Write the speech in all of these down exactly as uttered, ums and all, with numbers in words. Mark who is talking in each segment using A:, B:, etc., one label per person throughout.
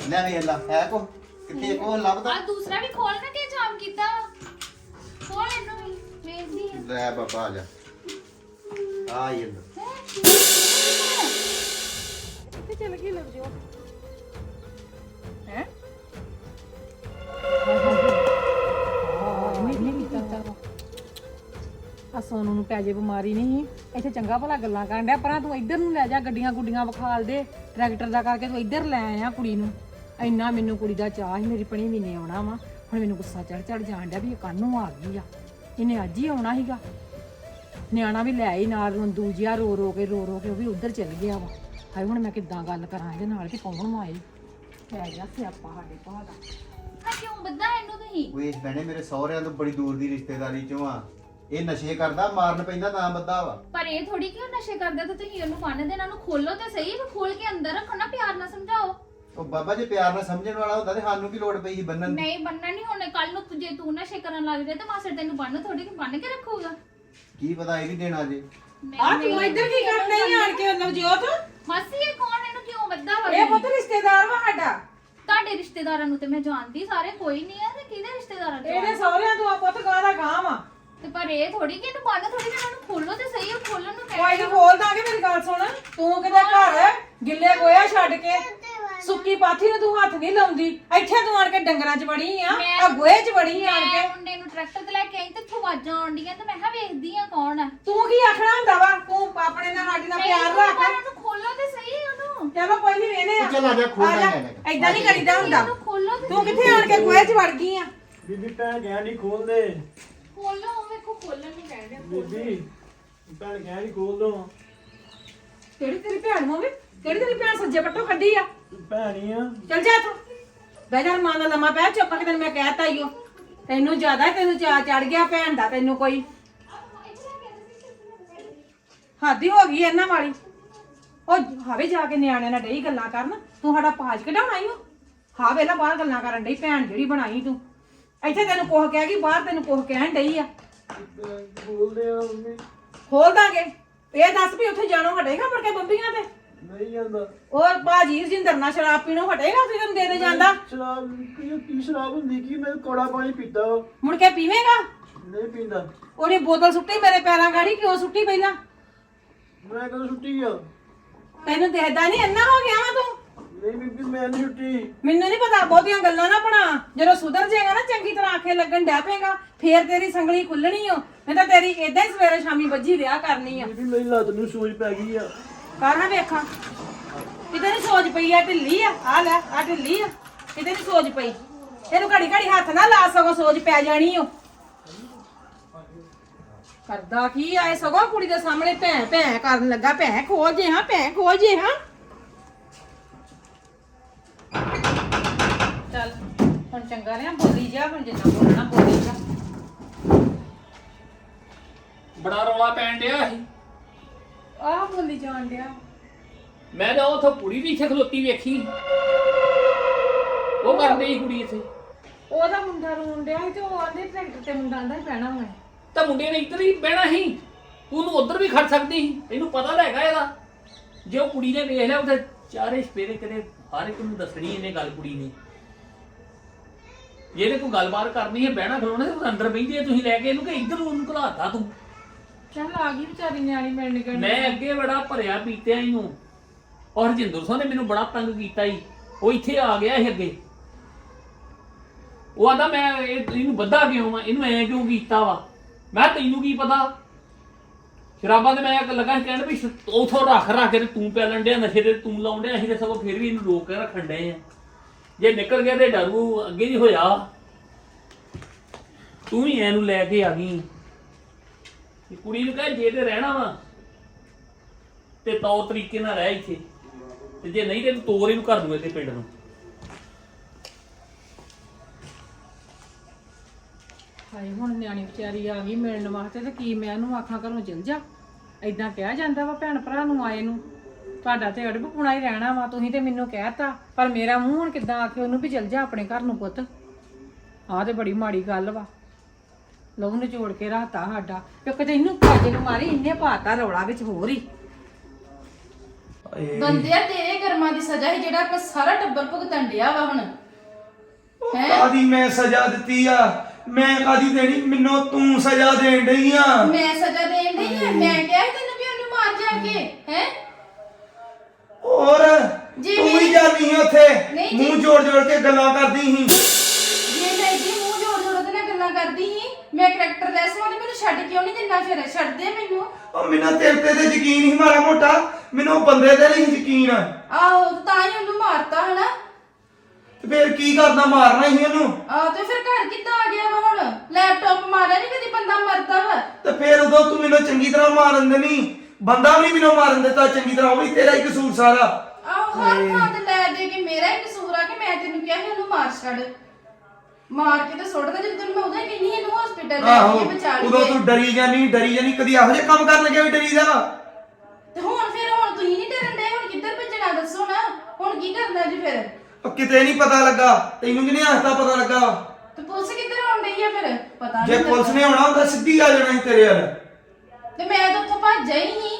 A: ਲੈ ਵੇਖ ਲਾ ਹੈ ਕੋ ਕਿੱਥੇ ਕੋ ਲੱਭਦਾ
B: ਆ ਦੂਸਰਾ ਵੀ ਖੋਲ ਨਾ ਕਿ ਜਾਮ ਕੀਤਾ ਵਾ ਖੋਲ ਇਹਨੂੰ ਵੀ ਵੇਖਦੀ ਆ
A: ਲੈ ਬਾਬਾ ਆ ਜਾ ਆ ਇਹ
C: ਕਿੱਥੇ ਚਲ ਗਈ ਲੱਗ ਜੋ ਹੈ ਨਹੀਂ ਕੀਤਾ ਆ ਸੋਨੂ ਨੂੰ ਪੈ ਜੇ ਬਿਮਾਰੀ ਨਹੀਂ ਇੱਥੇ ਚੰਗਾ ਭਲਾ ਗੱਲਾਂ ਕਰਨ ਡਿਆ ਪਰਾਂ ਤੂੰ ਇੱਧਰ ਨੂੰ ਲੈ ਜਾ ਗੱਡੀਆਂ ਗੁੱਡੀਆਂ ਵਿਖਾਲ ਦੇ ਟਰੈਕਟਰ ਦਾ ਕਰਕੇ ਤੂੰ ਇੱਧਰ ਲੈ ਆਇਆ ਕੁੜੀ ਨੂੰ ਇੰਨਾ ਮੈਨੂੰ ਕੁੜੀ ਦਾ ਚਾਹ ਸੀ ਮੇਰੀ ਪਣੀ ਵੀ ਨੇ ਆਉਣਾ ਵਾ ਹੁਣ ਮੈਨੂੰ ਗੁੱਸਾ ਚੜ ਚੜ ਜਾਣ ਡਿਆ ਵੀ ਇਹ ਕਾਹਨੂੰ ਆ ਗਈ ਆ ਇਹਨੇ ਅੱਜ ਹੀ ਆਉਣਾ ਸੀਗਾ ਨਿਆਣਾ ਵੀ ਲੈ ਆਈ ਨਾਲ ਰੰਦੂ ਜਿਹਾ ਰੋ ਰੋ ਕੇ ਰੋ ਰੋ ਕੇ ਉਹ ਵੀ ਉੱਧਰ ਚਲ ਗਿਆ ਵਾ ਹਾਏ ਹੁਣ ਮੈਂ ਕਿੱਦਾਂ ਗੱਲ ਕਰਾਂ ਇਹਦੇ ਨਾਲ ਕਿ ਕੌਣ ਮਾਏ ਪੈ ਗਿਆ ਸਿਆਪਾ ਸਾਡੇ ਭਾ ਦਾ
B: ਆ ਕਿਉਂ ਬੱਦਾ ਇਹਨੂੰ ਤੁਸੀਂ
A: ਵੇਖ ਭੈਣੇ ਮੇਰੇ ਸਹੁਰਿਆਂ ਤੋਂ ਬੜੀ ਦੂਰ ਦੀ ਰਿਸ਼ਤੇਦਾਰੀ ਚੋਂ ਆ ਇਹ ਨਸ਼ੇ ਕਰਦਾ ਮਾਰਨ ਪੈਂਦਾ ਤਾਂ ਬੱਦਾ ਵਾ
B: ਪਰ ਇਹ ਥੋੜੀ ਕਿ ਉਹ ਨਸ਼ੇ ਕਰਦਾ ਤੇ ਤੁਸੀਂ ਉਹਨੂੰ ਬੰਨ ਦੇ ਇਹਨਾਂ ਨੂੰ ਖੋਲੋ ਤੇ ਸਹੀ ਵੀ ਖੋਲ ਕੇ ਅੰਦਰ ਰੱਖੋ ਨਾ ਪਿਆਰ ਨਾਲ ਸਮਝਾਓ
A: ਉਹ ਬਾਬਾ ਜੇ ਪਿਆਰ ਨਾਲ ਸਮਝਣ ਵਾਲਾ ਹੁੰਦਾ ਤੇ ਸਾਨੂੰ ਕੀ ਲੋੜ ਪਈ ਸੀ ਬੰਨਣ ਦੀ
B: ਨਹੀਂ ਬੰਨਣਾ ਨਹੀਂ ਹੁਣ ਕੱਲ ਨੂੰ ਜੇ ਤੂੰ ਨਸ਼ੇ ਕਰਨ ਲੱਗ ਜਾਏ ਤਾਂ ਮਾਸੜ ਤੈਨੂੰ ਬੰਨ ਥੋੜੀ ਕਿ ਬੰਨ ਕੇ ਰੱਖੂਗਾ
A: ਕੀ ਪਤਾ ਇਹ ਵੀ ਦੇਣਾ ਜੇ
C: ਆ ਤੂੰ ਇੱਧਰ ਕੀ ਕਰਨ ਨਹੀਂ ਆਣ ਕੇ ਨਵਜੋਤ
B: ਮਾਸੀ ਇਹ ਕੌਣ ਇਹਨੂੰ ਕਿਉਂ ਬੱਦਾ ਵਾ
C: ਇਹ ਪੁੱਤ ਰਿਸ਼ਤੇਦਾਰ ਵਾ ਸਾਡਾ
B: ਤੁਹਾਡੇ ਰਿਸ਼ਤੇਦਾਰਾਂ ਨੂੰ ਤੇ ਮੈਂ ਜਾਣਦੀ ਸਾਰੇ ਕੋਈ ਨਹੀਂ ਆ ਤੇ ਕਿਹਦੇ ਰਿਸ਼ਤੇਦਾਰਾਂ ਚੋਂ
C: ਇਹਦੇ ਸਹੁਰਿਆਂ ਤੋਂ ਆ ਪੁੱਤ ਗਾਂ ਦਾ ਗਾਂ ਵਾ
B: ਤੇ ਪਰ ਇਹ ਥੋੜੀ ਕਿ ਇਹਨੂੰ ਬੰਨ ਥੋੜੀ ਕਿ ਇਹਨਾਂ ਨੂੰ ਖੋਲੋ ਤੇ ਸਹੀ ਉਹ ਖੋਲਣ ਨੂੰ
C: ਕੋਈ
B: ਕਹਿ
C: ਨਹੀਂ ਖੋਲ ਦਾਂਗੇ ਮੇਰੀ ਗੱਲ ਸੁਣ ਤੂੰ ਕਿਤੇ ਘਰ ਗਿੱਲੇ ਗੋਇਆ ਛੱਡ ਕੇ ਸੁੱਕੀ ਪਾਥੀ ਨੂੰ ਤੂੰ ਹੱਥ ਨਹੀਂ ਲਾਉਂਦੀ ਇੱਥੇ ਤੂੰ ਆਣ ਕੇ ਡੰਗਰਾਂ 'ਚ ਵੜੀ ਆ ਆ ਗੋਹੇ 'ਚ ਵੜੀ ਆਣ ਕੇ
B: ਮੁੰਡੇ ਨੂੰ ਟਰੈਕਟਰ ਤੇ ਲੈ ਕੇ ਆਈ ਤੇ ਇੱਥੋਂ ਆਵਾਜ਼ਾਂ ਆਉਂਦੀਆਂ ਤੇ ਮੈਂ ਕਿਹਾ ਵੇਖਦੀ ਆ ਕੌਣ ਆ
C: ਤੂੰ ਕੀ ਆਖਣਾ ਹੁੰਦਾ ਵਾ ਤੂੰ ਆਪਣੇ ਨਾਲ ਸਾਡੇ ਨਾਲ ਪਿਆਰ ਰੱਖ
B: ਉਹਨੂੰ ਖੋਲੋ ਤੇ ਸਹੀ ਉਹਨੂੰ
C: ਚਲੋ ਕੋਈ ਨਹੀਂ ਵੇਨੇ ਆ
A: ਚੱਲ ਆ ਜਾ ਖੋਲ ਦਾਂਗੇ
C: ਐਦਾਂ ਨਹੀਂ ਕਰੀਦਾ ਹੁੰਦਾ
B: ਉਹਨੂੰ ਖੋਲੋ ਤੇ
C: ਤੂੰ ਕਿੱਥੇ ਆਣ ਕੇ ਗੋਹੇ 'ਚ ਵੜ ਗਈ ਆ
D: ਬੀਬੀ ਭੈਣ ਕਹਿ ਨਹੀਂ ਖੋਲ ਦੇ
B: ਖੋਲੋ ਉਹ ਵੇਖੋ ਖੋਲਣ ਨੂੰ ਕਹਿੰਦੇ
D: ਬੀਬੀ ਭੈਣ ਕਹਿ ਨਹੀਂ ਖੋਲ ਦੋ
C: ਕਿਹੜੀ ਤੇਰੀ ਭੈਣ ਹੋਵੇ ਕਿਹੜੀ ਤੇਰੀ ਭੈਣ ਸੱਜੇ ਪੱਟੋਂ ਕੱਢੀ ਆ
D: ਭੈਣ ਹੀ ਆ
C: ਚੱਲ ਜਾ ਤੂੰ ਬਹਿ ਜਾ ਮਾਂ ਦਾ ਲੰਮਾ ਪੈ ਚੁੱਪ ਕੇ ਤੈਨੂੰ ਮੈਂ ਕਹਿਤਾ ਈਓ ਤੈਨੂੰ ਜ਼ਿਆਦਾ ਤੈਨੂੰ ਚਾ ਚੜ ਗਿਆ ਭੈਣ ਦਾ ਤੈਨੂੰ ਕੋਈ ਹੱਦ ਹੀ ਹੋ ਗਈ ਇਹਨਾਂ ਵਾਲੀ ਉਹ ਹਾਵੇ ਜਾ ਕੇ ਨਿਆਣਿਆਂ ਨਾਲ ਡਈ ਗੱਲਾਂ ਕਰਨ ਤੂੰ ਸਾਡਾ ਪਾਜ ਕਢਾਉਣਾ ਈ ਓ ਹਾਂ ਵੇਲਾ ਬਾਹਰ ਗੱਲਾਂ ਕਰਨ ਡਈ ਭੈਣ ਜਿਹੜੀ ਬਣਾਈ ਤੂੰ ਇੱਥੇ ਤੈਨੂੰ ਕੋਹ ਕਹਿ ਗਈ ਬਾਹਰ ਤੈਨੂੰ ਕੋਹ ਕਹਿਣ ਡਈ ਆ
D: ਬੋਲਦੇ ਆ ਮੰਮੀ
C: ਖੋਲ ਦਾਂਗੇ ਇਹ ਦੱਸ ਵੀ ਉੱਥੇ ਜਾਣੋ ਹਟੇਗਾ ਮੁੜ ਕੇ ਬੰਬੀਆਂ ਤੇ
D: ਨਹੀਂ ਜਾਂਦਾ
C: ਉਹ ਬਾਜੀ ਰਜਿੰਦਰ ਨਾਲ ਸ਼ਰਾਬ ਪੀਣੋਂ ਹਟੇਗਾ ਤੇ ਤੈਨੂੰ ਦੇ ਦੇ ਜਾਂਦਾ
D: ਸ਼ਰਾਬ ਕੀ ਕੀ ਸ਼ਰਾਬ ਹੁੰਦੀ ਕੀ ਮੈਂ ਕੋੜਾ ਪਾਣੀ ਪੀਤਾ ਵਾ।
C: ਮੁੜ ਕੇ ਪੀਵੇਂਗਾ
D: ਨਹੀਂ ਪੀਂਦਾ
C: ਉਹਨੇ ਬੋਤਲ ਸੁੱਟੀ ਮੇਰੇ ਪੈਰਾਂ ਗਾੜੀ ਕਿਉਂ ਸੁੱਟੀ ਪਹਿਲਾਂ
D: ਮੈਂ ਕਦੋਂ ਛੁੱਟੀ ਆ
C: ਤੈਨੂੰ ਦੇਖਦਾ ਨਹੀਂ ਇੰਨਾ ਹੋ ਗਿਆ ਵਾ ਤੂੰ
D: ਨਹੀਂ ਬੀਬੀ ਮੈਂ ਨਹੀਂ ਛੁੱਟੀ
C: ਮੈਨੂੰ ਨਹੀਂ ਪਤਾ ਬਹੁਤੀਆਂ ਗੱਲਾਂ ਨਾ ਬਣਾ ਜਦੋਂ ਸੁਧਰ ਜਾਏਗਾ ਨਾ ਚੰਗੀ ਤਰ੍ਹਾਂ ਆਖੇ ਲੱਗਣ ਡੈ ਪਏਗਾ ਫੇਰ ਤੇਰੀ ਸੰਗਲੀ ਖੁੱਲਣੀ ਓ ਨਹੀਂ ਤਾਂ ਤੇਰੀ ਏਦਾਂ ਹੀ ਸਵੇਰੇ ਸ਼ਾਮੀ ਵੱਜੀ ਰਿਹਾ ਕਰਨੀ ਆ
D: ਬੀਬੀ ਮੇਰੀ ਲੱਤ ਨੂੰ ਸੋਜ ਪੈ ਗਈ ਆ
C: ਕਰ ਹਾਂ ਵੇਖਾਂ ਕਿਤੇ ਨਹੀਂ ਸੋਜ ਪਈ ਆ ਢਿੱਲੀ ਆ ਆ ਲੈ ਆ ਢਿੱਲੀ ਆ ਕਿਤੇ ਨਹੀਂ ਸੋਜ ਪਈ ਇਹਨੂੰ ਘੜੀ ਘੜੀ ਹੱਥ ਨਾ ਲਾ ਸਗੋਂ ਸੋਜ ਪੈ ਜਾਣੀ ਓ ਕਰਦਾ ਕੀ ਆਏ ਸਗੋਂ ਕੁੜੀ ਦੇ ਸਾਹਮਣੇ ਭੈਂ ਭੈਂ ਕਰਨ ਲੱਗਾ ਭੈਂ ਖੋਲ ਜੇ ਹਾਂ ਭੈਂ ਖੋਲ ਜੇ ਹਾਂ ਚੱਲ ਹੁਣ ਚੰਗਾ ਰਿਹਾ ਬੋਲੀ ਜਾ ਹੁਣ ਜਿੰਨਾ ਬੋਲਣਾ ਬੋਲੀ ਜਾ
E: ਬੜਾ ਰੌਲਾ ਪੈਣ ਡਿਆ ਸੀ
C: ਆਹ ਬੋਲੀ ਜਾਣ ਡਿਆ
E: ਮੈਂ ਤਾਂ ਉਥੋਂ ਕੁੜੀ ਵੀ ਇੱਥੇ ਖਲੋਤੀ ਵੇਖੀ ਉਹ ਕਰਦੇ ਸੀ ਕੁੜੀ ਇੱਥੇ
C: ਉਹਦਾ ਮੁੰਡਾ ਰੋਣ ਡਿਆ ਸੀ ਤੇ ਉਹ ਆਂਦੇ ਟਰੈਕਟਰ ਤੇ ਮੁੰਡਾ ਆਂਦਾ ਪੈਣਾ ਹੋਇਆ
E: ਤਾਂ ਮੁੰਡੇ ਨੇ ਇੱਧਰ ਹੀ ਬਹਿਣਾ ਸੀ ਤੂੰ ਉਹਨੂੰ ਉੱਧਰ ਵੀ ਖੜ ਸਕਦੀ ਸੀ ਇਹਨੂੰ ਪਤਾ ਤਾਂ ਹੈਗਾ ਇਹਦਾ ਜੇ ਉਹ ਕੁੜੀ ਨੇ ਵੇਖ ਲਿਆ ਉੱਥੇ ਚਾਰੇ ਸਪੇਰੇ ਕਦੇ ਹਰ ਇੱਕ ਨੂੰ ਦੱਸਣੀ ਇਹਨੇ ਗੱਲ ਕੁੜੀ ਨੇ ਜੇ ਇਹਨੇ ਕੋਈ ਗੱਲਬਾਤ ਕਰਨੀ ਹੈ ਬਹਿਣਾ ਖਲੋਣਾ ਤੇ ਅੰਦਰ ਬਹਿੰਦੀ ਹੈ ਤੁਸੀਂ ਲੈ ਕੇ ਇਹਨੂੰ ਕਿ ਇੱਧਰ ਨੂੰ ਉਹਨੂੰ ਘਲਾਤਾ ਤੂੰ
C: ਚੱਲ ਆ ਗਈ ਵਿਚਾਰੀ ਨਿਆਣੀ ਮਿਲਣ ਗਈ
E: ਮੈਂ ਅੱਗੇ ਬੜਾ ਭਰਿਆ ਪੀਤਿਆ ਇਹਨੂੰ ਔਰ ਹਰਜਿੰਦਰ ਸਿੰਘ ਨੇ ਮੈਨੂੰ ਬੜਾ ਤੰਗ ਕੀਤਾ ਹੀ ਉਹ ਇੱਥੇ ਆ ਗਿਆ ਇਹ ਅੱਗੇ ਉਹ ਆਂਦਾ ਮੈਂ ਇਹ- ਇਹਨੂੰ ਬੱਧਾ ਕਿਉਂ ਵਾ ਇਹਨੂੰ ਐ ਕਿਉਂ ਕੀਤਾ ਵਾ ਮੈਂ ਤੈਨੂੰ ਕੀ ਪਤਾ ਸ਼ਰਾਬਾਂ ਤੇ ਮੈਂ ਲੱਗਾ ਕਹਿਣ ਵੀ ਉਥੋਂ ਰੱਖ ਰੱਖ ਕੇ ਤੇ ਤੂੰ ਪੈਲਣ ਡਿਆ ਨਸ਼ੇ ਤੇ ਤੂੰ ਲਾਉਣ ਡਿਆ ਅਸੀਂ ਤੇ ਸਗੋਂ ਫਿਰ ਵੀ ਇਹਨੂੰ ਰੋਕ ਕੇ ਰੱਖਣ ਡਏ ਆ ਜੇ ਨਿਕਲ ਗਿਆ ਤੇ ਡਰੂ ਅੱਗੇ ਨਹੀਂ ਹੋਇਆ ਤੂੰ ਹੀ ਇਹਨੂੰ ਲੈ ਕੇ ਆ ਗਈ ਕੁੜੀ ਨੂੰ ਕਹੇ ਜੇ ਤੇ ਰਹਿਣਾ ਵਾ ਤੇ ਤੌਰ ਤਰੀਕੇ ਨਾਲ ਰਹਿ ਇੱਥੇ ਤੇ ਜੇ ਨਹੀਂ ਤੇ ਤੂੰ ਤੋਰ ਇਹਨੂੰ ਕਰ ਦੂਏ ਤੇ ਪਿੰਡ ਨੂੰ
C: ਹਾਏ ਹੁਣ ਨਿਆਣੀ ਵਿਚਾਰੀ ਆ ਗਈ ਮਿਲਣ ਵਾਸਤੇ ਤੇ ਕੀ ਮੈਂ ਉਹਨੂੰ ਆਖਾਂ ਘਰੋਂ ਚਲ ਜਾ ਐਦਾਂ ਕਿਹਾ ਜਾਂਦਾ ਵਾ ਭੈਣ ਭਰਾ ਨੂੰ ਆਏ ਨੂੰ ਤੁਹਾਡਾ ਤੇ ਅੜਬ ਪੁਣਾ ਹੀ ਰਹਿਣਾ ਵਾ ਤੁਸੀਂ ਤੇ ਮੈਨੂੰ ਕਹਿਤਾ ਪਰ ਮੇਰਾ ਮੂੰਹ ਹੁਣ ਕਿੱਦਾਂ ਆਖੇ ਉਹਨੂੰ ਵੀ ਚਲ ਜਾ ਆਪਣੇ ਘਰ ਨੂੰ ਪੁੱਤ ਆਹ ਤੇ ਬੜੀ ਮਾੜੀ ਗੱਲ ਵਾ ਲਹੂ ਨਿਚੋੜ ਕੇ ਰਾਤਾ ਸਾਡਾ ਕਿਉਂਕਿ ਤੇ ਇਹਨੂੰ ਕਾਜੇ ਨੂੰ ਮਾਰੀ ਇੰਨੇ ਪਾਤਾ ਰੌਲਾ ਵਿੱਚ ਹੋਰ ਹੀ
F: ਏ,
G: ਬੰਦਿਆ ਤੇਰੇ ਕਰਮਾਂ ਦੀ ਸਜ਼ਾ ਹੀ ਜਿਹੜਾ ਆਪਾਂ ਸਾਰਾ ਟੱਬਰ ਭੁਗਤਣ ਡਿਆ ਵਾ ਹੁਣ।
F: ਉਹ
G: ਹੈਂ?
F: ਕਾਦੀ ਮੈਂ ਸਜ਼ਾ ਦਿੱਤੀ ਆ? ਮੈਂ ਕਾਦੀ ਦੇਣੀ? ਮੈਨੂੰ ਤੂੰ ਸਜ਼ਾ ਦੇਣ ਡਈ ਆ।
G: ਮੈਂ ਸਜ਼ਾ ਦੇਣ ਡਈ ਆ? ਮੈਂ ਕਿਹਾ ਸੀ ਤੈਨੂੰ ਵੀ ਉਹਨੂੰ ਮਾਰ ਜਾ ਕੇ ਹੈ।
F: ਹੋਰ
G: ਜੀ
F: ਤੂੰ ਹੀ
G: ਮੇਰੀ-
F: ਜਾਨੀ ਆ ਉੱਥੇ
G: ਨਹੀਂ ਜੀ।
F: ਮੂੰਹ ਜੋੜ ਜੋੜ ਕੇ ਗੱਲਾਂ ਕਰਦੀ ਸੀ।
G: ਜੇ ਮੈਂ ਇੱਦੀ ਮੂੰਹ ਜੋੜ ਜੋੜ ਉਹਦੇ ਨਾਲ ਗੱਲਾਂ ਕਰਦੀ ਸੀ, ਮੈਂ ਕਰੈਕਟਰ ਲੈਸ ਵਾਂ ਤੇ ਮੈਨੂੰ ਛੱਡ ਕਿਉਂ ਨਹੀਂ ਦਿੰਦਾ? ਫਿਰ ਛੱਡ ਦੇ ਮੈਨੂੰ।
F: ਉਹ ਮੈਨੂੰ ਤੇਰੇ ਤੇ ਤੇ ਯਕੀਨ ਹੀ ਮਾੜਾ ਮੋਟਾ, ਮੈਨੂੰ ਉਹ ਬੰਦੇ ਤੇ ਨਹੀਂ ਯਕੀਨ।
G: ਆਹੋ ਤਾਂ ਹੀ ਉਹਨੂੰ ਮਾਰਤਾ ਹਨਾ।
F: ਤੇ ਫੇਰ ਕੀ ਕਰਨਾ? ਮਾਰਨਾ ਹੀ ਉਹਨੂੰ।
G: ਆ ਤੇ ਫਿਰ ਘਰ ਕਿੱਦਾਂ ਆ ਗਿਆ ਵਾ ਹੁਣ? ਲੈਪਟਾਪ ਮਾਰਿਆ ਨਹੀਂ ਕਦੀ ਬੰਦਾ ਮਰਦਾ ਵਾ।
F: ਤੇ ਫੇਰ ਉਦੋਂ ਤੂੰ ਮੈਨੂੰ ਚੰਗੀ ਤਰ੍ਹਾਂ ਮਾਰਨ ਦੇਣੀ, ਬੰਦਾ ਵੀ ਨਹੀਂ ਮੈਨੂੰ ਮਾਰਨ ਦਿੱਤਾ ਚੰਗੀ ਤਰ੍ਹਾਂ, ਉਹ ਵੀ ਤੇਰਾ ਹੀ ਕਸੂਰ ਸਾਰਾ।
G: ਆਹੋ ਹਰ ਥਾਂ ਤੇ ਲੈ ਦੇ ਕੇ ਮੇਰਾ ਹੀ ਕਸੂਰ ਆ ਕਿ ਮੈਂ ਤੈਨੂੰ ਕਿਹਾ ਸੀ ਉਹਨੂੰ ਮਾਰ ਛੱਡ। ਮਾਰ ਕੇ ਤੇ ਸੁੱਟ ਦੇ। ਜਦੋਂ ਤੈਨੂੰ ਮੈਂ ਉਦੋਂ ਹੀ ਕਹਿੰਦੀ ਇਹਨੂੰ ਹਸਪੀਟਲ ਲੈ
F: ਆਹੋ
G: ਕੇ ਬਚਾ ਲਈ।
F: ਉਦੋਂ ਤੂੰ ਡਰੀ ਜਾਨੀ ਡਰੀ ਜਾਨੀ, ਕਦੀ ਇਹੋ ਜਿਹੇ ਕੰਮ ਕਰਨ ਲੱਗਿਆ ਵੀ ਡਰੀਦਾ ਵਾ।
G: ਤੇ ਹੁਣ ਫਿਰ ਹੁਣ ਤੁਸੀਂ ਨਹੀਂ ਡਰਨ ਡਏ, ਹੁਣ ਕਿੱਧਰ ਭੱਜਣਾ ਦੱਸੋ ਨਾ। ਹੁਣ ਕੀ ਕਰਨਾ ਜੀ ਫਿਰ?
F: ਉਹ ਕਿਤੇ ਨਹੀਂ ਪਤਾ ਲੱਗਾ, ਤੈਨੂੰ ਕਿਹਨੇ ਹੱਸਦਾ ਪਤਾ ਲੱਗਾ ਵਾ?
G: ਤੇ ਪੁਲਿਸ ਕਿੱਧਰ ਆਉਣ ਡਈ ਆ ਫਿਰ? ਪਤਾ
F: ਜੇ
G: ਨਹੀਂ
F: ਪੁਲਿਸ ਨੇ ਆਉਣਾ ਹੁੰਦਾ ਸਿੱਧੀ ਆ ਜਾਣਾ ਸੀ ਤੇਰੇ ਵੱਲ।
G: ਤੇ ਮੈਂ ਤਾਂ ਉੱਥੋਂ ਭੱਜ ਆਈ ਹੀ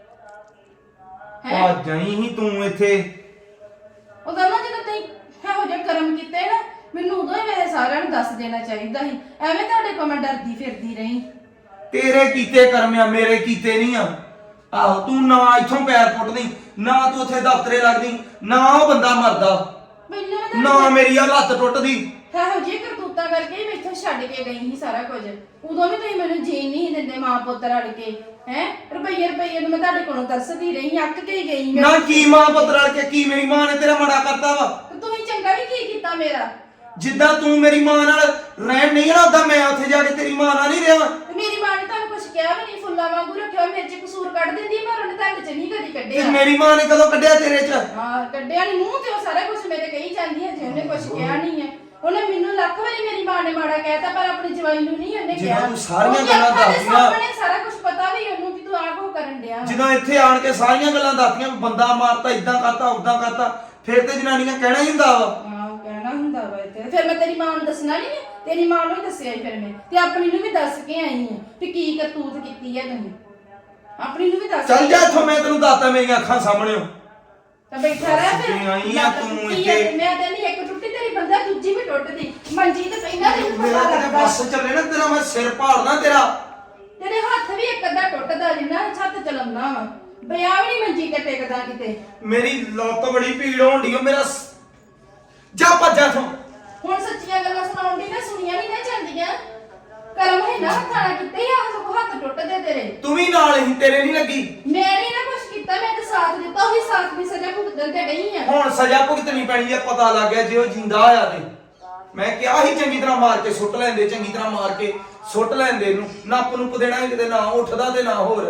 G: ਹੈ।
F: ਆ ਜਾਈ ਹੀ ਤੂੰ ਇੱਥੇ।
G: ਉਦੋਂ ਨਾ ਜਦੋਂ ਤੁਸੀਂ ਇਹੋ ਜਿਹੇ ਕਰਮ ਕੀਤੇ ਨਾ, ਮੈਨੂੰ ਉਦੋਂ ਹੀ ਮੇਰੇ ਸਾਰਿਆਂ ਨੂੰ ਦੱਸ ਦੇਣਾ ਚਾਹੀਦਾ ਸੀ। ਐਵੇਂ ਤੁਹਾਡੇ ਕੋਲ ਮੈਂ ਡਰਦੀ ਫਿਰਦੀ ਰਹੀ।
F: ਤੇਰੇ ਕੀਤੇ ਕਰਮ ਆ, ਮੇਰੇ ਕੀਤੇ ਨਹੀਂ ਆ। ਆਹੋ ਤੂੰ ਨਾ ਇੱਥੋਂ ਪੈਰ ਪੁੱਟਦੀ, ਨਾ ਤੂੰ ਉੱਥੇ ਦਫ਼ਤਰੇ ਲੱਗਦੀ, ਨਾ ਉਹ ਬੰਦਾ ਮਰਦਾ,
G: ਮੈਨੂੰ ਵੀ
F: ਨਾ
G: ਤੁਹਾਡੇ
F: ਮੇਰੀ ਆ ਲੱਤ ਟੁੱਟਦੀ।
G: ਇਹੋ ਜਿਹੀ ਕਰਤੂਤਾਂ ਕਰਕੇ ਹੀ ਮੈਂ ਇੱਥੋਂ ਛੱਡ ਕੇ ਗਈ ਸੀ ਸਾਰਾ ਕੁਝ। ਉਦੋਂ ਵੀ ਤੁਸੀਂ ਮੈਨੂੰ ਜੀਣ ਨਹੀਂ ਸੀ ਦਿੰਦੇ ਮਾਂ ਪੁੱਤ ਰਲ ਕੇ ਹੈ। ਰੁਪਈਏ ਰੁਪਈਏ ਨੂੰ ਮੈਂ ਤੁਹਾਡੇ ਕੋਲੋਂ ਤਰਸਦੀ ਰਹੀ, ਅੱਕ ਕੇ ਹੀ ਗਈ ਮੈਂ।
F: ਨਾ ਕੀ ਮਾਂ ਪੁੱਤ ਰਲ ਕੇ ਕੀ ਮੇਰੀ ਮਾਂ ਨੇ ਤੇਰਾ ਮਾੜਾ ਕਰਤਾ ਵਾ?
G: ਤੇ ਤੁਸੀਂ ਚੰਗਾ ਵੀ ਕੀ ਕੀਤਾ ਮੇਰਾ?
F: ਜਿੱਦਾਂ ਤੂੰ ਮੇਰੀ ਮਾਂ ਨਾਲ ਰਹਿਣ ਨਹੀਂ ਨਾ, ਉਦਾਂ ਮੈਂ ਉੱਥੇ ਜਾ ਕੇ ਤੇਰੀ ਮਾਂ ਨਾਲ ਨਹੀਂ ਰਿਹਾ।
G: ਤੇ ਮੇਰੀ ਮਾਂ ਨੇ ਤੁਹਾਨੂੰ ਕੁਝ ਕਿਹਾ ਵੀ ਨਹੀਂ, ਫੁੱਲਾਂ ਵਾਂਗੂ ਰੱਖਿਆ। ਮੇਰੇ ਚ ਕਸੂਰ ਕੱਢ ਦਿੰਦੀ, ਪਰ ਉਹਨੇ ਤੁਹਾਡੇ ਚ ਨਹੀਂ ਕਦੀ
F: ਤੇ
G: ਕੱਢਿਆ।
F: ਮੇਰੀ ਮਾਂ ਨੇ ਕਦੋਂ ਕੱਢਿਆ ਤੇਰੇ ਚ?
G: ਹਾਂ ਕੱਢਿਆ ਨਹੀਂ ਮੂੰਹ ਤੇ ਉਹ ਸਾਰਾ ਕੁਝ ਮੇਰੇ ਕਹੀ ਜਾਂਦੀ ਹੈ, ਜੇ ਉਹਨੇ ਕੁਝ ਕਿਹਾ ਨਹੀਂ ਹੈ। ਉਹਨੇ ਮੈਨੂੰ ਲੱਖ ਵਾਰੀ ਮੇਰੀ ਮਾਂ ਨੇ ਮਾੜਾ ਕਹਿਤਾ, ਪਰ ਆਪਣੀ ਜਵਾਈ ਨੂੰ ਨਹੀਂ ਉਹਨੇ
F: ਜਦੋਂ
G: ਕਿਹਾ।
F: ਤੂੰ ਸਾਰੀਆਂ
G: ਉਹਦੀ
F: ਗੱਲਾਂ
G: ਅੱਖਾਂ ਦੇ
F: ਦੱਸਦੀਆਂ-
G: ਸਾਹਮਣੇ ਸਾਰਾ ਕੁਝ ਪਤਾ ਵੀ ਉਹਨੂੰ ਕਿ ਤੂੰ ਆਹ ਕੋ ਕਰਨ ਡਿਆ ਵਾ।
F: ਜਦੋਂ ਇੱਥੇ ਆਣ ਕੇ ਸਾਰੀਆਂ ਗੱਲਾਂ ਦੱਸਦੀਆਂ ਵੀ ਬੰਦਾ ਮਾਰਤਾ, ਇਦਾਂ ਕਰਤਾ, ਉਦਾਂ ਕਰਤਾ, ਫਿਰ ਤੇ ਜਨਾਨੀਆਂ ਕਹਿਣਾ ਹੀ ਹੁੰਦਾ ਵਾ।
G: ਹਾਂ ਉਹ ਕਹਿਣਾ ਹੁੰਦਾ ਵਾ ਇੱਥੇ। ਫਿਰ ਮੈਂ ਤੇਰੀ ਮਾਂ ਨੂੰ ਦੱਸਣਾ ਨਹੀਂ ਹੈ? ਤੇਰੀ ਮਾਂ ਨੂੰ ਹੀ ਦੱਸਿਆ ਸੀ ਫਿਰ ਮੈਂ, ਤੇ ਆਪਣੀ ਨੂੰ ਵੀ ਦੱਸ ਕੇ ਆਈ ਹਾਂ ਵੀ ਕੀ ਕਰਤੂਤ ਕੀਤੀ ਹੈ ਤੁਸੀਂ। ਆਪਣੀ ਨੂੰ ਵੀ ਦੱਸ
F: ਚੱਲ
G: ਕੇ
F: ਜਾ
G: ਆਈ।
F: ਇੱਥੋਂ, ਮੈਂ ਤੈਨੂੰ ਦੱਸਤਾ ਮੇਰੀਆਂ ਅੱਖਾਂ ਸਾਹਮਣੇ।
G: ਤਾਂ ਬੈਠਾ ਰਹਿ ਫਿਰ।
F: ਜਿਵੇਂ ਆਈ ਆ
G: ਲੱਤ
F: ਤੂੰ
G: ਟੁੱਟੀ ਆ,
F: ਇੱਥੇ।
G: ਮੈਂ ਤੈਨੂੰ ਇੱਕ ਟੁੱਟੀ ਤੇਰੀ ਬੰਦਾ, ਦੂਜੀ ਵੀ ਟੁੱਟਦੀ। ਮੰਜੀ ਤੇ ਪੈਂਦਾ ਤੈਨੂੰ
F: ਮੇਰਾ
G: ਪਤਾ
F: ਕਿਤੇ
G: ਲੱਗਦਾ।
F: ਬੱਸ ਚੱਲੇ ਨਾ ਤੇਰਾ, ਮੈਂ ਸਿਰ ਪਾੜਨਾ ਤੇਰਾ।
G: ਤੇਰੇ ਹੱਥ ਵੀ ਇੱਕ ਅੱਧਾ ਟੁੱਟਦਾ ਜਿੰਨਾ ਛੱਤ ਚਲੰਦਾ ਵਾ। ਬਿਆ ਵੀ ਨਹੀਂ ਮੰਜੀ ਤੇ ਟਿਕਦਾ ਕਿਤੇ।
F: ਮੇਰੀ ਲੱਤ ਬੜੀ ਪੀੜ ਹੋਣ ਡਈ ਓ, ਮੇਰਾ ਸ- ਜਾ ਭੱਜ ਜਾ ਇੱਥੋਂ।
G: ਹੁਣ ਸੱਚੀਆਂ ਗੱਲਾਂ ਸੁਣਾਉਣ ਦੀ ਨਾ ਸੁਣੀਆਂ ਨਹੀਂ ਨਾ ਜਾਂਦੀਆਂ। ਕਰਮ ਹੈ ਨਾ ਹੱਥਾਂ ਨਾਲ ਕਿਤੇ ਆ ਸਭ ਹੱਥ ਟੁੱਟਦੇ ਤੇਰੇ।
F: ਤੂੰ ਵੀ ਨਾਲ ਹੀ, ਤੇਰੇ ਨਹੀਂ ਲੱਗੀ।
G: ਮੈਂ ਨਹੀਂ ਨਾ ਕੁਛ ਕੀਤਾ, ਮੈਂ ਤਾਂ ਸਾਥ ਦਿੱਤਾ। ਉਹੀ ਸਾਥ ਦੀ ਸਜ਼ਾ ਭੁਗਤਣ ਤੇ ਗਈ ਆ।
F: ਹੁਣ ਸਜ਼ਾ ਭੁਗਤਣੀ ਪੈਣੀ ਆ, ਪਤਾ ਲੱਗ ਗਿਆ ਜੇ ਉਹ ਜਿੰਦਾ ਹੋਇਆ ਤੇ। ਮੈਂ ਕਿਹਾ ਸੀ ਚੰਗੀ ਤਰ੍ਹਾਂ ਮਾਰ ਕੇ ਸੁੱਟ ਲੈਂਦੇ, ਚੰਗੀ ਤਰ੍ਹਾਂ ਮਾਰ ਕੇ ਸੁੱਟ ਲੈਂਦੇ ਇਹਨੂੰ। ਨੱਪ ਨੂੰ ਦੇਣਾ ਹੀ ਕਿਤੇ, ਨਾ ਉੱਠਦਾ ਤੇ ਨਾ ਹੋਰ।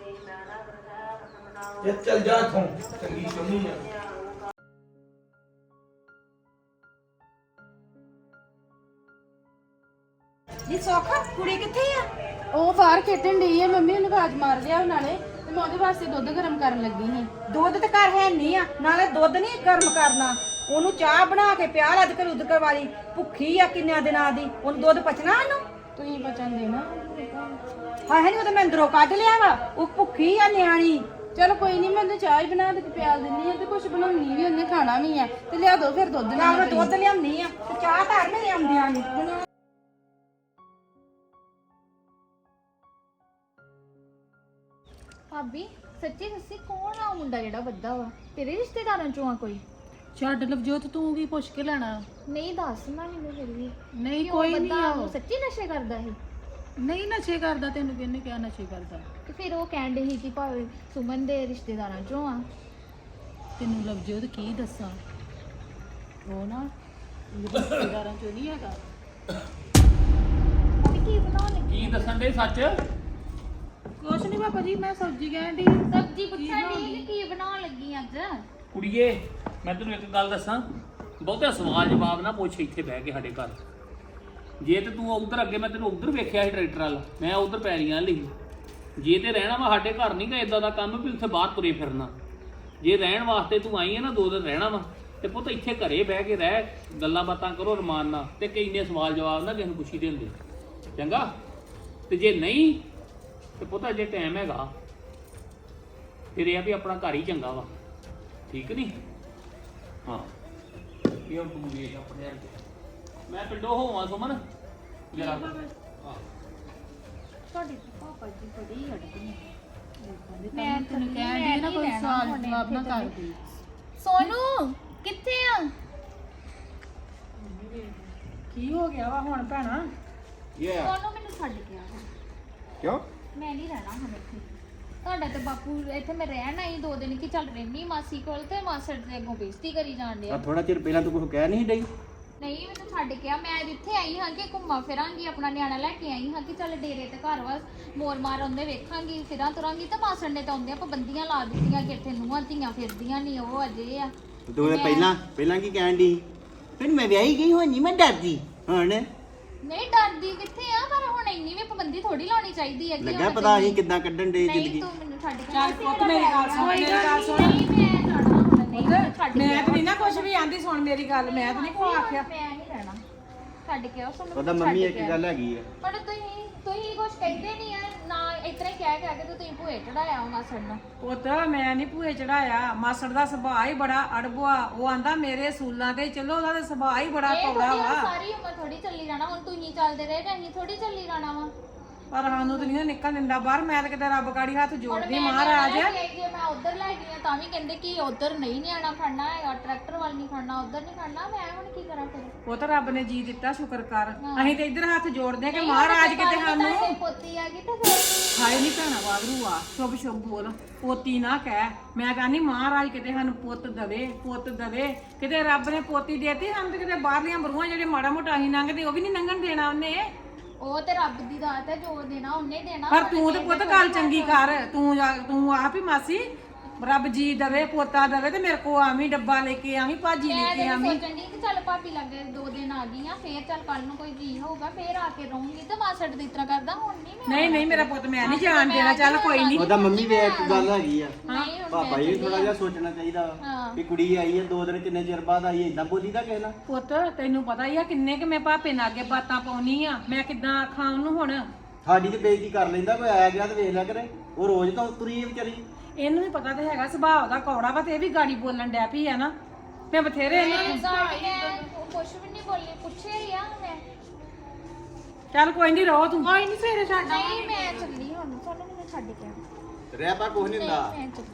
F: ਜੇ ਚੱਲ ਜਾ ਇੱਥੋਂ, ਚੰਗੀ ਚੁੰਨੀ ਆ।
C: ਨੀ ਸੋਖਾ ਕੁੜੀ ਕਿੱਥੇ ਆ?
G: ਉਹ ਬਾਹਰ ਖੇਡਣ ਡਈ ਆ, ਮੰਮੀ ਉਹਨੂੰ ਆਵਾਜ਼ ਮਾਰ ਲਿਆ ਨਾਲੇ, ਤੇ ਮੈਂ ਉਹਦੇ ਵਾਸਤੇ ਦੁੱਧ ਗਰਮ ਕਰਨ ਲੱਗੀ ਸੀ।
C: ਦੁੱਧ ਤੇ ਘਰ ਹੈ ਨਹੀਂ ਆ, ਨਾਲੇ ਦੁੱਧ ਨਹੀਂ ਗਰਮ ਕਰਨਾ। ਉਹਨੂੰ ਚਾਹ ਬਣਾ ਕੇ ਪਿਆ ਲੱਦ ਕਰ ਉਦਕਰ ਵਾਲੀ, ਭੁੱਖੀ ਆ ਕਿੰਨਿਆਂ ਦਿਨਾਂ ਦੀ। ਉਹਨੂੰ ਦੁੱਧ ਪਚਣਾ ਉਹਨੂੰ?
G: ਤੁਸੀਂ ਬਚਨ ਦੇਣਾ।
C: ਹਾਂ ਹੈ ਨਹੀਂ, ਉਹ ਤਾਂ ਮੈਂ ਅੰਦਰੋਂ ਕੱਢ ਲਿਆ ਵਾ। ਉਹ ਭੁੱਖੀ ਆ ਨਿਆਣੀ।
G: ਚਲੋ ਕੋਈ ਨਹੀਂ, ਮੈਂ ਉਹਨੂੰ ਚਾਹ ਹੀ ਬਣਾ ਕੇ ਪਿਆਲ ਦਿੰਨੀ ਆ, ਤੇ ਕੁਝ ਬਣਾਉਣੀ ਵੀ ਉਹਨੇ ਖਾਣਾ ਵੀ ਆ। ਤੇ ਲਿਆ ਦੋ ਫਿਰ ਦੁੱਧ
C: ਨਾਲ
G: ਨਾਲ
C: ਮੈਂ ਦੁੱਧ ਲਿਆਉਂਦੀ ਆ ਤੇ ਚਾਹ ਧਰ ਮੇਰੇ ਆਉਂਦਿਆਂ ਨੇ।
B: ਭਾਬੀ ਸੱਚੀ ਦੱਸੀ ਕੌਣ ਆ ਉਹ ਮੁੰਡਾ ਜਿਹੜਾ ਵੱਡਾ ਵਾ? ਤੇਰੇ ਰਿਸ਼ਤੇਦਾਰਾਂ ਚੋਂ ਆ ਕੋਈ?
H: ਛੱਡ ਲਵਜੋਤ, ਤੂੰ ਕੀ ਪੁੱਛ ਕੇ ਲੈਣਾ?
B: ਨਹੀਂ ਦੱਸ ਨਾ ਮੈਨੂੰ ਫਿਰ ਵੀ।
H: ਨਹੀਂ
B: ਕਿ ਉਹ
H: ਕੋਈ ਨਹੀਂ
B: ਬੰਦਾ
H: ਆ
B: ਉਹ
H: ਉਹ।
B: ਸੱਚੀ ਨਸ਼ੇ ਕਰਦਾ ਸੀ?
H: ਨਹੀਂ ਨਸ਼ੇ ਕਰਦਾ, ਤੈਨੂੰ ਕਿਹਨੇ ਕਿਹਾ ਨਸ਼ੇ ਕਰਦਾ?
B: ਤੇ ਫਿਰ ਉਹ ਕਹਿੰਦੇ ਸੀ ਕਿ ਭਾਵੇਂ ਸੁਮਨ ਦੇ ਰਿਸ਼ਤੇਦਾਰਾਂ ਚੋਂ ਆ।
H: ਤੈਨੂੰ ਲਵਜੋਤ ਕੀ ਦੱਸਾਂ, ਉਹ ਨਾ ਰਿਸ਼ਤੇਦਾਰਾਂ ਚੋਂ ਨਹੀਂ ਹੈਗਾ।
B: ਤੇ ਕੀ ਬਣਾਉਣ ਲੱਗੀ?
E: ਕੀ ਦੱਸਣ ਦੇ ਸੱਚ?
H: ਕੁਛ ਨਹੀਂ ਬਾਬਾ ਜੀ, ਮੈਂ ਸਬਜ਼ੀ ਕਹਿਣ ਦੀ।
B: ਸਬਜ਼ੀ ਪੁੱਛਣ ਦੀ ਕੀ ਬਣਾਉਣ ਲੱਗੀ ਅੱਜ?
E: ਕੁੜੀਏ ਮੈਂ ਤੈਨੂੰ ਇੱਕ ਗੱਲ ਦੱਸਾਂ, ਬਹੁਤੇ ਸਵਾਲ ਜਵਾਬ ਨਾ ਪੁੱਛ ਇੱਥੇ ਬਹਿ ਕੇ ਸਾਡੇ ਘਰ। ਜੇ ਤੇ ਤੂੰ ਉਧਰ ਅੱਗੇ, ਮੈਂ ਤੈਨੂੰ ਉਧਰ ਵੇਖਿਆ ਸੀ ਟਰੈਕਟਰ ਵਾਲਾ, ਮੈਂ ਉਧਰ ਪੈਰੀਆਂ ਲਈ। ਜੇ ਤੇ ਰਹਿਣਾ ਵਾ ਸਾਡੇ ਘਰ ਨਹੀਂ ਗਾ ਇਦਾਂ ਦਾ ਕੰਮ ਵੀ ਉੱਥੇ ਬਾਹਰ ਤੁਰੇ ਫਿਰਨਾ। ਜੇ ਰਹਿਣ ਵਾਸਤੇ ਤੂੰ ਆਈ ਹੈ ਨਾ, ਦੋ ਦਿਨ ਰਹਿਣਾ ਵਾ, ਤੇ ਪੁੱਤ ਇੱਥੇ ਘਰੇ ਬਹਿ ਕੇ ਰਹਿ, ਗੱਲਾਂ ਬਾਤਾਂ ਕਰੋ ਰਮਾਨ ਨਾਲ, ਤੇ ਕਈ ਨੇ ਸਵਾਲ ਜਵਾਬ ਨਾ ਕਿਸੇ ਨੂੰ ਪੁੱਛੀ ਦੇ ਹੁੰਦੇ, ਚੰਗਾ? ਤੇ ਜੇ ਨਹੀਂ ਤੇ ਪੁੱਤ ਅਜੇ ਟਾਈਮ ਹੈਗਾ, ਫਿਰ ਇਹ ਆ ਵੀ ਆਪਣਾ ਘਰ ਹੀ ਚੰਗਾ ਵਾ। ਠੀਕ ਨਹੀਂ ਹਾਂ ਇਹ ਹੁਣ ਤੂੰ ਵੇਖ ਆਪਣੇ ਹੱਥ ਮੈਂ ਪਿੰਡੋਂ ਹੋਵਾਂ ਸੁਮਨ ਜਰਾ ਹਾਂ
B: ਤੁਹਾਡੀ ਤਾਂ ਪਾਪਾ ਜੀ ਬੜੀ ਅੜਦੀ
H: ਮੈਂ ਤੈਨੂੰ ਕਹਿਣ ਦੀ ਨਾ ਕੋਈ ਸਵਾਲ ਜਵਾਬ ਨਾ ਕਰ ਦੇ
B: ਸੋਨੂ ਕਿੱਥੇ ਆ
C: ਕੀ ਹੋ ਗਿਆ ਵਾ ਹੁਣ ਭੈਣਾ
A: ਇਹ
B: ਸੋਨੂ ਮੈਨੂੰ ਛੱਡ ਕੇ ਆ
A: ਕਿਉਂ
B: ਮੈਂ ਨਹੀਂ ਰਹਿਣਾ ਹੁਣ ਇੱਥੇ ਤੁਹਾਡਾ ਤੇ ਬਾਪੂ ਇੱਥੇ ਮੈਂ ਰਹਿਣ ਆਈ ਦੋ ਦਿਨ ਕਿ ਚੱਲ ਰਹਿਣੀ ਮਾਸੀ ਕੋਲ ਤੇ ਮਾਸੜ ਦੇ ਅੱਗੋਂ ਬੇਇੱਜ਼ਤੀ ਕਰੀ ਜਾਣ ਡਿਆ
A: ਆ ਥੋੜਾ ਚਿਰ ਪਹਿਲਾਂ ਤੂੰ ਕੁਝ ਕਹਿ ਨਹੀਂ ਡਈ
B: ਨਹੀਂ ਮੈਨੂੰ ਛੱਡ ਕੇ ਆ ਮੈਂ ਜਿੱਥੇ ਆਈ ਹਾਂ ਕਿ ਘੁੰਮਾ ਫਿਰਾਂਗੀ ਆਪਣਾ ਨਿਆਣਾ ਲੈ ਕੇ ਆਈ ਹਾਂ ਕਿ ਚੱਲ ਡੇਰੇ ਤੇ ਘਰ ਵਾ ਮੋਰ ਮਾਰ ਆਉਂਦੇ ਵੇਖਾਂਗੀ ਫਿਰਾਂ ਤੁਰਾਂਗੀ ਤੇ ਮਾਸੜ ਨੇ ਤਾਂ ਆਉਂਦੇ ਪਾਬੰਦੀਆਂ ਲਾ ਦਿੱਤੀਆਂ ਕਿ ਇੱਥੇ ਨੂੰਹਾਂ ਧੀਆਂ ਫਿਰਦੀਆਂ ਨਹੀਂ ਉਹ ਅਜੇ ਆ
A: ਤੂੰ ਇਹ ਪਹਿਲਾਂ ਪਹਿਲਾਂ ਕੀ ਕਹਿਣ ਦੀ ਫਿਰ ਮੈਂ ਵਿਆਹੀ ਗਈ ਹੁਣ ਨਹੀਂ ਮੈਂ ਡਰਦੀ ਹੁਣ
B: ਨਹੀਂ ਡਰਦੀ ਕਿੱਥੇ ਆ ਪਰ ਹੁਣ ਇੰਨੀ ਵੀ ਪਾਬੰਦੀ ਥੋੜੀ ਲਾਉਣੀ ਚਾਹੀਦੀ ਹੈ ਕਿ
A: ਲੱਗਾ
B: ਹੁਣ
A: ਪਤਾ
B: ਤੈਨੂੰ-
A: ਅਸੀਂ ਕਿੱਦਾਂ ਕੱਢਣ ਦੇ
B: ਨਹੀਂ
A: ਜ਼ਿੰਦਗੀ
B: ਤੂੰ ਮੈਨੂੰ ਛੱਡ ਕੇ
C: ਚੱਲ ਪੁੱਤ ਮੇਰੀ ਗੱਲ ਸੁਣ ਮੇਰੀ ਗੱਲ ਸੁਣ
B: ਨਹੀਂ ਮੈਂ ਲੜਨਾ ਹੁਣ ਨਹੀਂ ਮੈਨੂੰ ਛੱਡ ਕੇ
C: ਮੈਂ
B: ਆਓ।
C: ਤਾਂ ਨਹੀਂ ਨਾ ਕੁਝ ਵੀ ਆਂਦੀ ਸੁਣ ਮੇਰੀ ਗੱਲ ਮੈਂ ਤਾਂ ਨਹੀਂ ਕੋ ਆਖਿਆ
B: ਮੈਂ ਨਹੀਂ ਰਹਿਣਾ ਛੱਡ ਕੇ ਆਓ ਸਾਨੂੰ
A: ਉਹਦਾ ਮੰਮੀ ਇੱਕ ਗੱਲ ਹੈਗੀ ਆ
B: ਪਰ ਤੁਸੀਂ ਤੁਸੀਂ ਕੁਝ ਕਹਿੰਦੇ ਨਹੀਂ ਆ ਨਾ ਇਤਨਾ ਹੀ ਕਹਿ ਕਹਿ ਕੇ ਤੇ ਤੁਸੀਂ ਭੂਏ ਚੜਾਇਆ ਉਹਨਾਂ ਸੜਨਾ
C: ਪੁੱਤ ਮੈਂ ਨਹੀਂ ਭੂਏ ਚੜਾਇਆ ਮਾਸੜ ਦਾ ਸੁਭਾਅ ਹੀ ਬੜਾ ਅੜਬੁਆ ਉਹ ਆਂਦਾ ਮੇਰੇ ਸੂਲਾਂ ਤੇ ਚਲੋ ਉਹਦਾ ਤਾਂ ਸੁਭਾਅ ਹੀ ਬੜਾ
B: ਇਹ
C: ਕੌੜਾ
B: ਥੋੜੀ ਹੁਣ
C: ਵਾ
B: ਸਾਰੀ ਉਮਰ ਥੋੜੀ ਚੱਲੀ ਜਾਣਾ ਹੁਣ ਤੁਸੀਂ ਚੱਲਦੇ ਰਹੇ ਤੇ ਅਸੀਂ ਥੋੜੀ ਚੱਲੀ ਜਾਣਾ ਵਾ
C: ਪਰ ਸਾਨੂੰ ਤਾਂ ਨਹੀਂ ਨਿਕਲ ਦਿੰਦਾ ਬਾਹਰ ਮੈਂ ਤਾਂ ਕਿਤੇ ਰੱਬ ਗਾੜੀ ਹੱਥ
B: ਹੁਣ
C: ਜੋੜਦੀ
B: ਮੈਂ
C: ਮਹਾਰਾਜ
B: ਨਿਆਣਾ ਲੈ ਕੇ ਆਈ, ਜੇ ਮੈਂ ਉਧਰ ਲੈ ਗਈ ਆ ਤਾਂ ਵੀ ਕਹਿੰਦੇ ਕਿ ਉਧਰ ਨਹੀਂ ਨਿਆਣਾ ਖੜਨਾ ਹੈਗਾ ਟਰੈਕਟਰ ਵੱਲ ਨਹੀਂ ਖੜਨਾ ਉਧਰ ਨਹੀਂ ਖੜਨਾ ਮੈਂ ਹੁਣ ਕੀ ਕਰਾਂ ਫਿਰ
C: ਉਹ ਤਾਂ ਰੱਬ ਨੇ ਜੀ ਦਿੱਤਾ ਸ਼ੁਕਰ ਕਰ ਅਸੀਂ ਤੇ ਇੱਧਰ ਹੱਥ ਜੋੜਦੇ ਆ ਕਿ
B: ਨਹੀਂ,
C: ਮਹਾਰਾਜ
B: ਹੁਣ
C: ਕਿਤੇ
B: ਜੇ
C: ਸਾਨੂੰ
B: ਤੁਹਾਡੇ ਪੋਤੀ ਆ ਗਈ ਤੇ ਫਿਰ
C: ਹਾਏ ਨਹੀਂ ਭੈਣਾ ਵਾਗਰੂ ਆ ਸ਼ੁਭ ਸ਼ੁਭ ਬੋਲ ਪੋਤੀ ਨਾ ਕਹਿ ਮੈਂ ਕਹਿੰਦੀ ਮਹਾਰਾਜ ਕਿਤੇ ਸਾਨੂੰ ਪੁੱਤ ਦਵੇ ਪੁੱਤ ਦਵੇ ਕਿਤੇ ਰੱਬ ਨੇ ਪੋਤੀ ਦੇਤੀ ਸਾਨੂੰ ਤੇ ਕਿਤੇ ਬਾਹਰਲੀਆਂ ਬਰੂਆਂ ਜਿਹੜੇ ਮਾੜਾ ਮੋਟਾ ਅਸੀਂ ਲੰਘਦੇ ਉਹ ਵੀ ਨਹੀਂ ਲੰਘਣ ਦੇਣਾ ਉਹਨੇ
B: ਉਹ ਤੇ ਰੱਬ ਦੀ ਦਾਤ ਹੈ ਜੋ ਦੇਣਾ ਉਹਨੇ ਦੇਣਾ
C: ਪਰ ਤੂੰ ਤੇ ਪੁੱਤ ਗੱਲ ਚੰਗੀ ਕਰ ਤੂੰ ਜਾ ਤੂੰ ਆਪ ਹੀ ਮਾਸੀ ਰੱਬ ਜੀ ਦਵੇ ਪੋਤਾ ਦਵੇ ਤੇ ਮੇਰੇ ਕੋ ਆਵੀਂ ਡੱਬਾ ਲੈ ਕੇ ਆਵੀਂ ਭਾਜੀ ਲੈ
B: ਮੈਂ
C: ਕੇ
B: ਤਾਂ
C: ਆਵੀਂ
B: ਸੋਚਣ ਦੀ ਕਿ ਚੱਲ ਭਾਬੀ ਲੱਗੇ ਦੋ ਦਿਨ ਆ ਗਈਆਂ ਫੇਰ ਚੱਲ ਕੱਲ ਨੂੰ ਕੋਈ ਜੀ ਹੋਊਗਾ ਫੇਰ ਆ ਕੇ ਰਹੂੰਗੀ ਤੇ ਮਾਸੜ ਦੀ ਤਰ੍ਹਾਂ ਕਰਦਾ ਹੁਣ ਨਹੀਂ ਮੈਂ
C: ਨਹੀਂ ਨਹੀਂ ਮੇਰਾ ਪੁੱਤ ਮੈਂ ਨਹੀਂ ਜਾਣ ਦੇਣਾ ਚੱਲ ਕੋਈ ਨਹੀਂ
A: ਉਹਦਾ ਮੰਮੀ ਵੀ ਇੱਕ ਗੱਲ ਹੈਗੀ ਆ
B: ਨਹੀਂ ਹੁਣ
A: ਪਾਪਾ ਜੀ ਥੋੜਾ ਜਿਹਾ ਸੋਚਣਾ ਚਾਹੀਦਾ
B: ਹਾਂ।
A: ਕਿ ਕੁੜੀ ਆਈ ਹੈ ਦੋ ਦਿਨ ਕਿੰਨੇ ਚਿਰ ਬਾਅਦ ਆਈ ਹੈ ਇਦਾਂ ਬੋਲੀ ਦਾ ਕਹਿਣਾ
C: ਪੁੱਤ ਤੈਨੂੰ ਪਤਾ ਹੀ ਆ ਕਿੰਨੇ ਕਿ ਮੈਂ ਭਾਪੇ ਨਾਲ ਅੱਗੇ ਬਾਤਾਂ ਪਾਉਣੀ ਆ ਮੈਂ ਕਿੱਦਾਂ ਆਖਾਂ ਉਹਨੂੰ ਹੁਣ
A: ਸਾਡੀ ਤੇ ਬੇਇੱਜ਼ਤੀ ਕਰ ਲੈਂਦਾ ਕੋਈ ਆਇਆ ਗਿਆ ਤੇ ਵੇਖ ਲਿਆ ਕਰੇ ਉਹ ਰੋਜ਼ ਤਾਂ ਤੁਰੀ ਹੈ ਵਿਚਾਰੀ
C: ਇਹਨੂੰ ਵੀ ਪਤਾ ਤੇ ਹੈਗਾ ਸੁਭਾਅ ਦਾ ਕੌੜਾ ਵਾ ਤੇ ਇਹ ਵੀ ਗਾੜੀ ਬੋਲਣ ਡੈ ਪਈ ਆ ਨਾ ਮੈਂ ਬਥੇਰੇ ਇਹਨੂੰ
B: ਗਾੜੀ ਮੈਂ ਕੁਛ ਵੀ ਨਹੀਂ ਬੋਲੀ ਪੁੱਛਿਆ ਹੀ ਆ ਮੈਂ
C: ਚੱਲ ਕੋਈ ਨਹੀਂ ਰਹੋ ਤੂੰ ਕੋਈ ਨਹੀਂ ਸਵੇਰੇ ਛੱਡ
B: ਨਹੀਂ ਮੈਂ ਚੱਲੀ ਹੁਣ ਤੁਹਾਨੂੰ ਮੈਨੂੰ ਛੱਡ ਕੇ ਆ।
A: ਰਹਿ ਪਾ ਕੁਝ ਨਹੀਂ ਹੁੰਦਾ
B: ਮੈਂ ਚੱਲੀ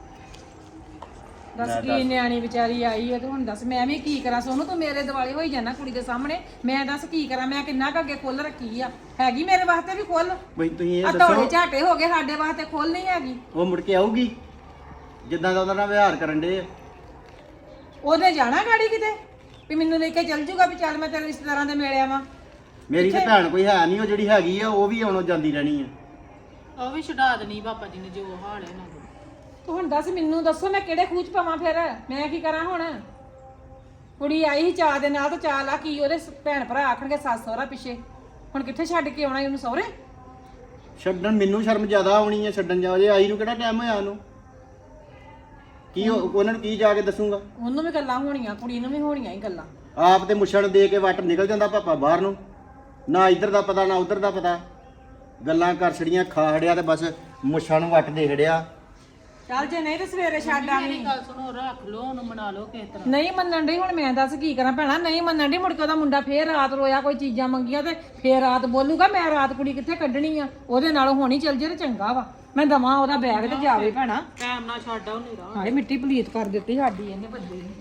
C: ਦੱਸ ਕੀ ਨਿਆਣੀ ਵਿਚਾਰੀ ਆਈ ਹੈ ਤੇ ਹੁਣ ਦੱਸ ਮੈਂ ਵੀ ਕੀ ਕਰਾਂ ਸੋਨੂੰ ਤੂੰ ਮੇਰੇ ਦਿਵਾਲੇ ਹੋਈ ਜਾਣਾ ਕੁੜੀ ਦੇ ਸਾਹਮਣੇ ਮੈਂ ਦੱਸ ਕੀ ਕਰਾਂ ਮੈਂ ਕਿੰਨਾ ਕੁ ਅੱਗੇ ਖੁੱਲ ਰੱਖੀ ਆ ਹੈਗੀ ਮੇਰੇ ਵਾਸਤੇ ਵੀ ਖੁੱਲ
A: ਬਈ ਤੁਸੀਂ
C: ਆ
A: ਇਹ
C: ਧੌਲੇ
A: ਦੱਸੋ
C: ਝਾਟੇ ਹੋ ਗਏ ਸਾਡੇ ਵਾਸਤੇ ਖੁੱਲ ਨਹੀਂ ਹੈਗੀ
A: ਉਹ ਮੁੜ ਕੇ ਆਊਗੀ ਜਿੱਦਾਂ ਦਾ ਉਹਦਾ ਨਾਲ ਵਿਹਾਰ ਕਰਨ ਦੇ
C: ਉਹਦੇ ਜਾਣਾ ਗਾੜੀ ਕਿਤੇ ਵੀ ਮੈਨੂੰ ਲੈ ਕੇ ਚੱਲ ਜੂਗਾ ਵੀ ਚੱਲ ਮੈਂ ਤੇਰੇ ਰਿਸ਼ਤੇਦਾਰਾਂ ਦੇ ਮਿਲਿਆ ਵਾਂ
A: ਮੇਰੀ ਤੇ ਭੈਣ ਕੋਈ ਹੈ ਨਹੀਂ ਉਹ ਜਿਹੜੀ ਹੈਗੀ ਆ ਉਹ ਵੀ ਆਉਣੋਂ ਜਾਂਦੀ ਰਹਿਣੀ ਆ
H: ਉਹ ਵੀ ਛਡਾ ਦੇਣੀ ਪਾਪਾ ਜੀ ਨੇ ਜੋ ਹਾਲ ਹੈ ਨਾ
C: ਤੂੰ ਹੁਣ ਦੱਸ ਮੈਨੂੰ ਦੱਸੋ ਮੈਂ ਕਿਹੜੇ ਖੂਚ ਪਾਵਾਂ ਫਿਰ ਮੈਂ ਕੀ ਕਰਾਂ ਹੁਣ ਕੁੜੀ ਆਈ ਸੀ ਚਾਹ ਦੇ ਨਾਲ ਤਾਂ ਚਾਹ ਲਾ ਕੀ ਉਹਦੇ ਸ- ਭੈਣ ਭਰਾ ਆਖਣਗੇ ਸੱਸ ਸਹੁਰਾ ਪਿੱਛੇ ਹੁਣ ਕਿੱਥੇ ਛੱਡ ਕੇ ਆਉਣਾ ਈ ਉਹਨੂੰ ਸਹੁਰੇ
A: ਛੱਡਣ ਮੈਨੂੰ ਸ਼ਰਮ ਜ਼ਿਆਦਾ ਆਉਣੀ ਆ ਛੱਡਣ ਜਾ ਜੇ ਆਈ ਨੂੰ ਕਿਹੜਾ ਟਾਈਮ ਹੋਇਆ ਉਹਨੂੰ ਕੀ ਉਹ- ਉਹਨਾਂ ਨੂੰ ਕੀ ਜਾ ਕੇ ਦੱਸੂਗਾ
C: ਉਹਨੂੰ ਵੀ ਗੱਲਾਂ ਹੋਣੀਆਂ ਕੁੜੀ ਨੂੰ ਵੀ ਹੋਣੀਆਂ ਹੀ ਗੱਲਾਂ
A: ਆਪ ਤੇ ਮੁੱਛਣ ਦੇ ਕੇ ਵੱਟ ਨਿਕਲ ਜਾਂਦਾ ਪਾਪਾ ਬਾਹਰ ਨੂੰ ਨਾ ਇੱਧਰ ਦਾ ਪਤਾ ਨਾ ਉੱਧਰ ਦਾ ਪਤਾ ਗੱਲਾਂ ਕਰ ਛੜੀਆਂ ਖਾ ਹੜਿਆ ਤੇ ਬਸ ਮੁੱਛਾਂ ਨੂੰ ਵੱਟ ਦੇ ਹੜਿਆ
C: ਚੱਲ ਜੇ ਨਹੀਂ ਤੇ ਸਵੇਰੇ ਛੱਡ ਆਵੀਂ
H: ਮੇਰੀ ਗੱਲ ਸੁਣੋ ਰੱਖ ਲਓ ਉਹਨੂੰ ਮਨਾ ਲਓ ਕਿਸ ਤਰ੍ਹਾਂ
C: ਨਹੀਂ ਮੰਨਣ ਡਈ ਹੁਣ ਮੈਂ ਦੱਸ ਕੀ ਕਰਾਂ ਭੈਣਾ ਨਹੀਂ ਮੰਨਣ ਡਈ ਮੁੜ ਕੇ ਉਹਦਾ ਮੁੰਡਾ ਫੇਰ ਰਾਤ ਰੋਇਆ ਕੋਈ ਚੀਜ਼ਾਂ ਮੰਗੀਆਂ ਤੇ ਫੇਰ ਰਾਤ ਬੋਲੂਗਾ ਮੈਂ ਰਾਤ ਕੁੜੀ ਕਿੱਥੇ ਕੱਢਣੀ ਆ ਉਹਦੇ ਨਾਲ ਹੋਣੀ ਚੱਲ ਜੇ ਤੇ ਚੰਗਾ ਵਾ ਮੈਂ ਦਵਾਂ ਉਹਦਾ ਬੈਗ ਤੇ ਜਾਵੇ ਭੈਣਾ
H: ਟਾਈਮ ਨਾਲ ਛੱਡ ਆਓ ਨਹੀਂ
C: ਹਾਏ ਮਿੱਟੀ ਪਲੀਤ ਕਰ ਦਿੱਤੀ ਸਾਡੀ ਇਹਨੇ ਬੰਦੇ ਨੇ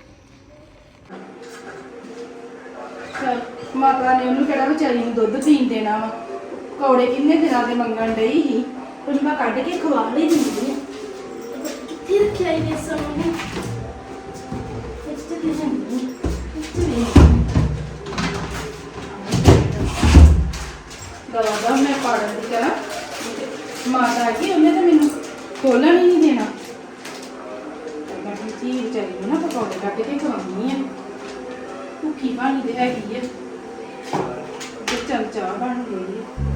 G: ਚੱਲ ਮਾਤਾ ਨੇ ਉਹਨੂੰ ਕਿਹੜਾ ਵਿਚਾਰੀ ਨੂੰ ਦੁੱਧ ਪੀਣ ਦੇਣਾ ਵਾ ਕੌੜੇ ਕਿੰਨੇ ਦਿਨਾਂ ਦੇ ਮੰਗਣ ਡਈ ਸੀ ਉਹਨੂੰ ਮੈਂ ਕੱਢ ਕੇ ਖਵਾ ਲਈ ਦਿੰਦੀ ਆ ਕਿੱਥੇ ਰੱਖਿਆ ਇਹ ਸਾਹਮਣੇ ਇੱਥੇ ਦੇ ਜਾਂਦੀ ਇੱਥੇ ਵੀ ਦਵਾ ਦਾ ਮੈਂ ਪਾੜਨ ਦੀ ਕਰਾਂ ਮਾਤਾ ਆ ਗਈ ਉਹਨੇ ਤਾਂ ਮੈਨੂੰ ਖੋਲਣ ਹੀ ਨਹੀਂ ਦੇਣਾ ਮੈਂ ਕਿਹਾ ਜੀ ਵਿਚਾਰੀ ਨੂੰ ਨਾ ਪਕੌੜੇ ਕੱਢ ਕੇ ਖਵਾਉਣੀ ਆ ਭੁੱਖੀ ਬਣ ਗਈ ਹੈਗੀ ਆ ਤੇ ਚੱਲ ਚਾਹ ਬਣ ਗਈ ਆ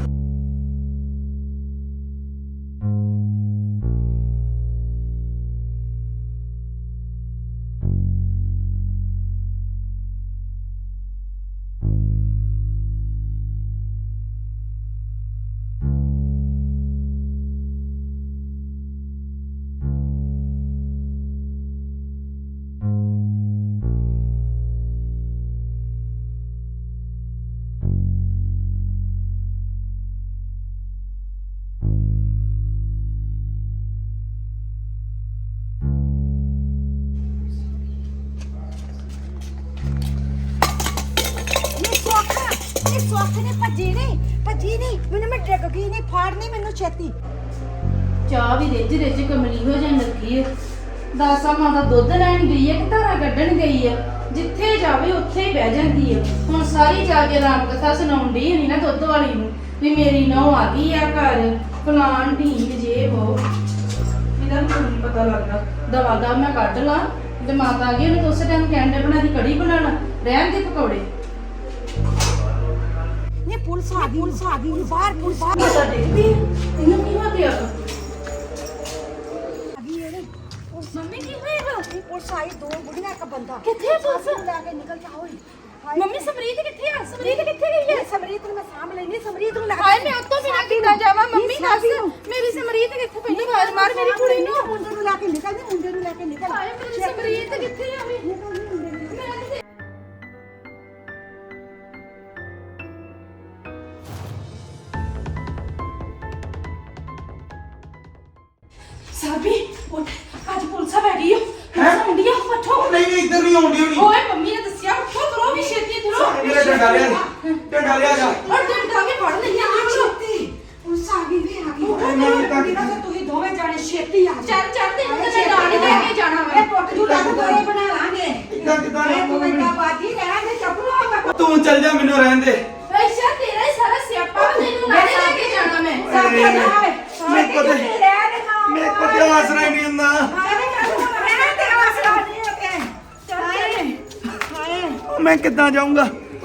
I: ਸੁੱਖ ਨਹੀਂ ਭੱਜੀ ਨਹੀਂ ਭੱਜੀ ਨਹੀਂ ਮੈਨੂੰ ਮੈਂ ਡਿੱਗ ਗਈ ਨਹੀਂ ਫਾੜਨੀ ਮੈਨੂੰ ਛੇਤੀ
G: ਚਾਹ ਵੀ ਰਿੱਝ ਰਿੱਝ ਕਮਲੀ ਹੋ ਜਾਣ ਲੱਗੀ ਹੈ। ਦਾਸਾ ਮਾਂ ਦਾ ਦੁੱਧ ਲੈਣ ਗਈ ਹੈ ਕਿ ਧਾਰਾ ਕੱਢਣ ਗਈ ਹੈ। ਜਿੱਥੇ ਜਾਵੇ ਉੱਥੇ ਹੀ ਬਹਿ ਜਾਂਦੀ ਹੈ। ਹੁਣ ਸਾਰੀ ਜਾ ਕੇ ਰਾਮ ਕਥਾ ਸੁਣਾਉਣ ਡਈ ਹੋਣੀ ਨਾ ਦੁੱਧ ਵਾਲੀ ਨੂੰ ਵੀ ਮੇਰੀ ਨਹੁੰ ਆ ਗਈ ਆ ਘਰ ਫਲਾਣ ਢੀਂਗ ਜੇ ਉਹ ਇਹਦਾ ਵੀ ਨਹੀਂ ਪਤਾ ਲੱਗਦਾ। ਦਵਾ ਦਾ ਮੈਂ ਕੱਢ ਲਾਂ ਤੇ ਮਾਤਾ ਆ ਗਈ ਉਹਨੇ ਤਾਂ ਉਸੇ ਟਾਈਮ ਕਹਿੰਦੇ ਬਣਾ ਦੀ ਕੜੀ ਬਣਾਣਾ ਰਹਿਣ ਦੇ ਪਕੌੜੇ।
I: ਇਹ ਪੁਲਿਸ ਆ ਗਈ ਪੁਲਿਸ ਆ ਗਈ ਬਾਹਰ ਪੁਲਿਸ ਆ
G: ਮਾਤਾ ਦੇਖਦੀ ਇਹਨੂੰ ਕੀ ਹੋ ਗਿਆ?
I: ਗਈ ਇਹਨੇ
G: ਮੰਮੀ ਕੀ ਹੋਏਗਾ?
I: ਇਹ ਪੁਲਿਸ ਆਈ ਦੋ ਬੁੜੀਆਂ ਇੱਕ ਬੰਦਾ
G: ਕਿੱਥੇ ਆ ਪੁਲਿਸ?
I: ਸਾਬੀ ਨੂੰ ਲੈ ਕੇ ਨਿਕਲ ਜਾ ਹੋਈ
G: ਮੰਮੀ ਸਮਰੀਤ ਕਿੱਥੇ ਆ? ਸਮਰੀਤ ਕਿੱਥੇ ਗਈ ਹੈ?
I: ਸਮਰੀਤ ਨੂੰ ਮੈਂ ਸਾਂਭ ਲੈਣੀ ਸਮਰੀਤ ਨੂੰ ਲੈ ਕੇ
G: ਹਾਏ ਮੈਂ ਉੱਤੋਂ ਬਿਨਾਂ ਕਿੱਦਾਂ ਜਾਵਾਂ? ਮੰਮੀ ਦੱਸ ਮੇਰੀ ਸਮਰੀਤ ਕਿੱਥੇ ਪਈ? ਆਵਾਜ਼ ਮਾਰ ਮੇਰੀ ਕੁੜੀ ਨੂੰ।
I: ਮੁੰਡੇ ਨੂੰ ਲੈ ਕੇ ਨਿਕਲ ਜੀ ਮੁੰਡੇ ਨੂੰ ਲੈ ਕੇ ਨਿਕਲ
G: ਹਾਏ ਮੇਰੀ ਸਮਰੀਤ ਕਿੱਥੇ ਆ ਵੀ?
I: ਨਿਕਲ ਜੀ ਮੁੰਡੇ ਨੂੰ
G: ਮੈਂ ਕਿਤੇ ਸਾਬੀ ਉੱਠ ਅੱਜ ਪੁਲਿਸ ਆ ਗਈ ਹੈ। ਪੁਲਿਸ ਆਉਂਦੀ ਆ ਉੱਠੋ।
F: ਨਹੀਂ ਨਹੀਂ ਇੱਧਰ ਨਹੀਂ ਆਉਂਦੀ ਹੋਣੀ
G: ਓਏ ਮੰਮੀ ਨੇ ਦੱਸਿਆ ਉੱਠੋ ਤੁਰੋ ਵੀ ਛੇਤੀ ਤੁਰੋ।
F: ਮੇਰਾ ਡੰਡਾ ਲਿਆ ਡੰਡਾ ਲਿਆ ਜਾ
G: ਔਰ ਡੰਡਾ ਕੇ ਫੜ ਲਈ ਆ
I: ਛੇਤੀ ਪੁਲਿਸ ਆ ਗਈ ਵੀ ਆ ਗਈ
F: ਹਾਏ ਮੈਂ ਵੀ ਤਾਂ
I: ਬਿਨਾਂ ਤਾਂ ਤੁਸੀਂ ਦੋਵੇਂ ਜਾਣੇ ਛੇਤੀ ਆ
G: ਚੱਲ ਚੱਲ ਤੈਨੂੰ ਤੇ ਮੈਂ ਨਾਲ ਹੀ ਲੈ ਕੇ ਜਾਣਾ ਵਾ।
I: ਇਹ ਪੁੱਟ ਜੂ ਲੱਗ ਦੋਰੇ ਬਣਾ ਲਾਂਗੇ
F: ਕਿੱਦਾਂ ਕਿੱਦਾਂ
I: ਇਹ ਤੂੰ ਇੰਨਾ ਬਾਜੀ ਰਹਿ ਦੇ ਚੱਪ ਲੋ
F: ਤੂੰ ਚੱਲ ਜਾ ਮੈਨੂੰ ਰਹਿਣ ਦੇ
G: ਅੱਛਾ ਤੇਰਾ ਹੀ ਸਾਰਾ ਸਿਆਪਾ ਵਾ, ਤੈਨੂੰ ਨਾਲ ਹੀ ਲੈ ਕੇ ਜਾਣਾ ਮੈਂ।
I: ਸਾਬੇ ਜਾਵੇ
F: ਮੇਰੇ ਕੋਲ ਤੇ ਮੇਰੇ ਕੋਲ ਤੇ ਆਸਰਾ ਹੀ ਨਹੀਂ ਹੁੰਦਾ ਮੈਂ ਕਿੱਦਾਂ ਜਾਊਂਗਾ?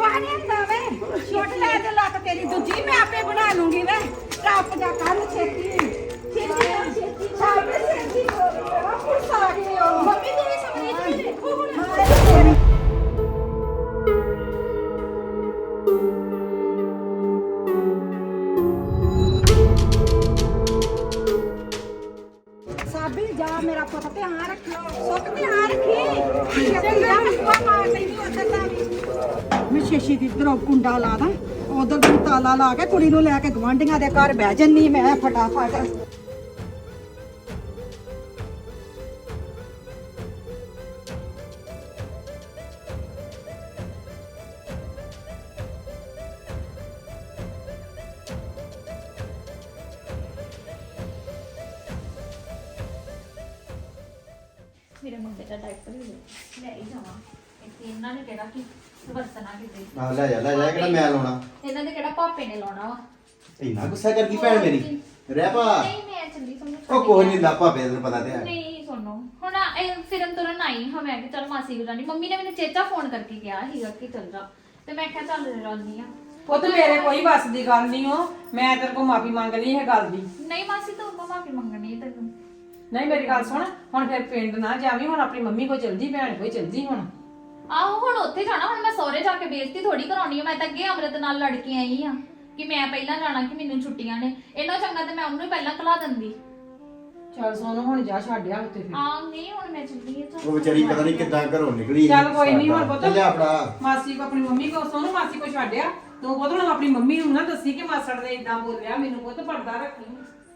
I: ਮੈਂ ਆਪੇ ਬਣਾ ਲੂੰਗੀ ਵੇ ਟੱਪ ਜਾ ਕੱਲ ਛੇਤੀ ਛੇਤੀ ਛੇਤੀ ਛਾਪੇ ਛੇਤੀ ਪੁਲਿਸ ਆ ਗਈ ਉਹ
G: ਮੰਮੀ ਤੂੰ ਵੀ ਸਮਰੀਤ ਨੂੰ ਦੇਖੋ ਹੁਣ।
I: ਸਾਬੀ ਜਾ ਮੇਰਾ ਪੁੱਤ ਧਿਆਨ ਰੱਖਿਓ ਸੁੱਖ ਧਿਆਨ ਰੱਖੀ ਚੰਗਾ ਮਸਵਾ ਮਾਰ ਲੈਣੀ ਉਧਰ ਦਾ ਵੀ ਮੈਂ ਸ਼ੇਸ਼ੀ ਦੀ ਇਧਰੋਂ ਕੁੰਡਾ ਲਾ ਦਾਂ ਉਧਰ ਨੂੰ ਤਾਲਾ ਲਾ ਕੇ ਕੁੜੀ ਨੂੰ ਲੈ ਕੇ ਗਵਾਂਢੀਆਂ ਦੇ ਘਰ ਬਹਿ ਜੰਨੀ ਮੈਂ ਫਟਾਫਟ
B: ਮੇਰੇ ਮੁੰਡੇ ਦਾ ਡਾਇਪਰ ਲੈ ਹੀ ਜਾਵਾਂ ਇੱਥੇ ਇਹਨਾਂ ਨੇ ਕਿਹੜਾ ਕੀ ਵਰਤਣਾ ਕਿਤੇ
A: ਆ ਲੈ ਜਾ ਲੈ ਜਾ ਕਿਹੜਾ ਮੈਂ ਲਾਉਣਾ
B: ਇਹਨਾਂ ਦੇ ਕਿਹੜਾ ਪਾਪੇ ਨੇ ਲਾਉਣਾ ਵਾ
A: ਇੰਨਾ ਗੁੱਸਾ ਕਰਦੀ ਭੈਣ ਮੇਰੀ ਰਹਿ ਪਾ
B: ਨਹੀਂ ਮੈਂ ਚੱਲੀ ਸਮਝ
A: ਉਹ ਕੋਈ ਨਹੀਂ ਲਾਪਾ ਪੇ ਤੈਨੂੰ ਪਤਾ ਤੇ ਹੈ
B: ਨਹੀਂ ਸੁਣੋ ਹੁਣ ਇਹ ਫਿਰਨ ਤੁਰਨ ਆਈ ਹਾਂ ਮੈਂ ਕਿ ਚੱਲ ਮਾਸੀ ਕੋਲ ਜਾਣੀ ਮੰਮੀ ਨੇ ਮੈਨੂੰ ਚੇਚਾ ਫੋਨ ਕਰਕੇ ਕਿਹਾ ਸੀਗਾ ਕਿ ਚੱਲ ਜਾ ਤੇ ਮੈਂ ਕਿਹਾ ਚੱਲ ਜਾਂਦੀ ਆ
C: ਪੁੱਤ ਮੇਰੇ ਕੋਈ ਬਸ ਦੀ ਗੱਲ ਨਹੀਂ ਹੋ ਮੈਂ ਤੇਰੇ ਕੋਲ ਮਾਫੀ ਮੰਗ ਲਈ ਇਹ ਗੱਲ ਦੀ
B: ਨਹੀਂ ਮਾਸੀ ਤੂੰ ਮਾਫੀ ਮੰਗਣੀ ਹੈ ਤੈਨੂੰ
C: ਨਹੀਂ ਮੇਰੀ ਗੱਲ ਸੁਣ ਹੁਣ ਫਿਰ ਪਿੰਡ ਨਾ ਜਾਵੀਂ ਹੁਣ ਆਪਣੀ ਮੰਮੀ ਕੋਲ ਚਲ ਜੀ ਭੈਣ ਕੋਲ ਚਲ ਜੀ ਹੁਣ
B: ਆਹੋ ਹੁਣ ਉੱਥੇ ਜਾਣਾ ਹੁਣ ਮੈਂ ਸਹੁਰੇ ਜਾ ਕੇ ਬੇਇੱਜ਼ਤੀ ਥੋੜੀ ਕਰਾਉਣੀ ਆ ਮੈਂ ਤਾਂ ਅੱਗੇ ਅਮਰਤ ਨਾਲ ਲੜ ਕੇ ਆਈ ਆ ਕਿ ਮੈਂ ਪਹਿਲਾਂ ਜਾਣਾ ਕਿ ਮੈਨੂੰ ਛੁੱਟੀਆਂ ਨੇ ਇਹਨਾਂ ਚੰਗਾ ਤੇ ਮੈਂ ਉਹਨੂੰ ਹੀ ਪਹਿਲਾਂ ਕਲਾ ਦਿੰਦੀ
C: ਚੱਲ ਸੋਨੂੰ ਹੁਣ ਜਾ ਛੱਡਿਆ ਉੱਤੇ ਫਿਰ
B: ਆ ਨਹੀਂ ਹੁਣ ਮੈਂ ਚੱਲੀ ਆ
A: ਉਹ ਵਿਚਾਰੀ ਪਤਾ ਨਹੀਂ ਕਿੱਦਾਂ ਘਰੋਂ ਨਿਕਲੀ
C: ਚੱਲ ਕੋਈ ਨਹੀਂ ਹੁਣ ਪੁੱਤ
A: ਚੱਲਿਆ ਆਪਣਾ
C: ਮਾਸੀ ਕੋ ਆਪਣੀ ਮੰਮੀ ਕੋ ਸੋਨੂੰ ਮਾਸੀ ਕੋ ਛੱਡਿਆ ਤੂੰ ਪੁੱਤ ਹੁਣ ਆਪਣੀ ਮੰਮੀ ਨੂੰ ਨਾ ਦੱਸੀ ਕਿ ਮਾਸੜ ਨੇ ਇਦਾਂ ਬੋਲਿਆ ਮੈਨੂੰ ਪੁੱਤ ਪਰਦਾ ਰੱਖੀ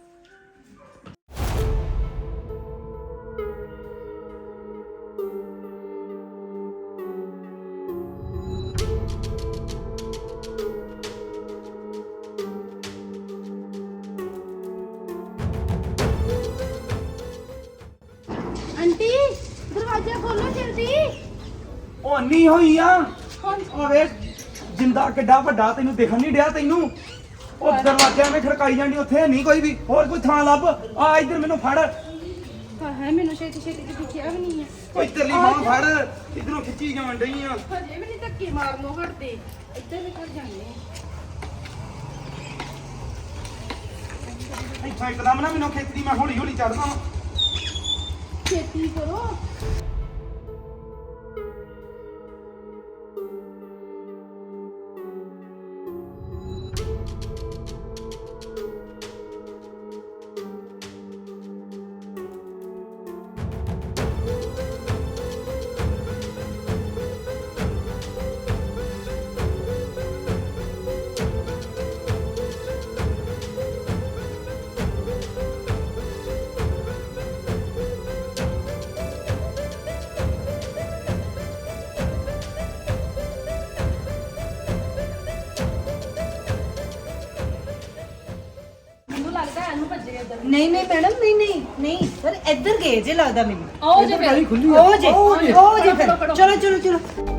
G: ਆਂਟੀ ਦਰਵਾਜ਼ਾ ਖੋਲੋ ਜਲਦੀ।
F: ਉਹ ਨਹੀਂ ਹੋਈ ਆ ਉਹ ਵੇ ਜਿੰਦਾ ਕਿੱਡਾ ਵੱਡਾ ਤੈਨੂੰ ਦਿਖਣ ਨਹੀਂ ਡਿਆ ਤੈਨੂੰ ਉਹ ਦਰਵਾਜ਼ਿਆਂ ਵਿੱਚ ਖੜਕਾਈ ਜਾਂਦੀ ਉੱਥੇ ਨਹੀਂ ਕੋਈ ਵੀ ਹੋਰ ਕੋਈ ਥਾਂ ਲੱਭ ਆ ਇੱਧਰ ਮੈਨੂੰ ਫੜ
G: ਹਾਏ ਮੈਨੂੰ ਛੇਤੀ ਛੇਤੀ ਤੇ ਦਿਖਿਆ ਵੀ ਨਹੀਂ ਹੈ।
F: ਕੋਈ ਤੇਰੀ ਬਾਹ ਫੜ ਇਧਰੋਂ ਖਿੱਚੀ ਜਾਣ ਡਈ ਆ
G: ਹਜੇ ਵੀ ਨਹੀਂ ਧੱਕੇ ਮਾਰਨੋਂ ਹਟਦੇ ਇੱਧਰ ਵੀ ਕਰ ਜਾਂਦੇ ਆ।
F: ਇੱਥੋਂ ਇੱਕਦਮ ਨਾ ਮੈਨੂੰ ਖਿੱਚਦੀ ਮੈਂ ਹੌਲੀ ਹੌਲੀ ਚੜਦਾ ਵਾਂ
G: ਛੇਤੀ ਕਰੋ।
H: ਨਹੀਂ ਨਹੀਂ ਮੈਡਮ ਨਹੀਂ ਨਹੀਂ ਨਹੀਂ ਸਰ ਇੱਧਰ ਗਏ ਜੇ ਲੱਗਦਾ ਮੈਨੂੰ
C: ਆਓ ਜੇ ਫਿਰ
D: ਖੁੱਲੀ
H: ਉਹ ਜੇ ਉਹ ਜੇ ਫਿਰ ਚਲੋ ਚਲੋ ਚਲੋ